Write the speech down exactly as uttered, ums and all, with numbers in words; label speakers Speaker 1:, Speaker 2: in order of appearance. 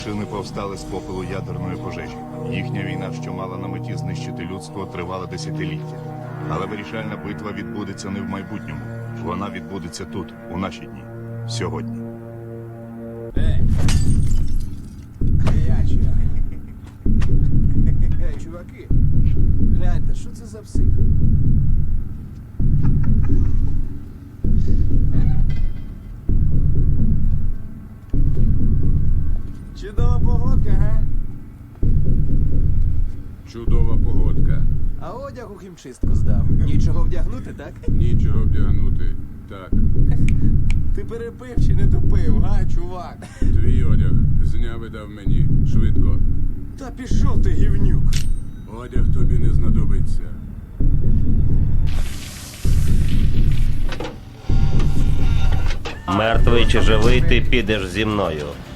Speaker 1: Шини повстали з попелу ядерної пожежі. Їхня війна, що мала на меті знищити людство, тривала десятиліття. Але вирішальна битва відбудеться не в майбутньому. Вона відбудеться тут, у наші дні. Сьогодні.
Speaker 2: Ей! Приячі! Ей, чуваки! Гляньте, що це за псих? Чудова погодка, га?
Speaker 3: Чудова погодка.
Speaker 2: А одяг у хімчистку здав. Нічого вдягнути, так?
Speaker 3: Нічого вдягнути. Так,
Speaker 2: Ти перепив чи не тупив, га, чувак?
Speaker 3: твій одяг зняв і дав мені. Швидко.
Speaker 2: Та пішов ти, гівнюк!
Speaker 3: Одяг тобі не знадобиться.
Speaker 4: Мертвий чи живий, ти підеш зі мною.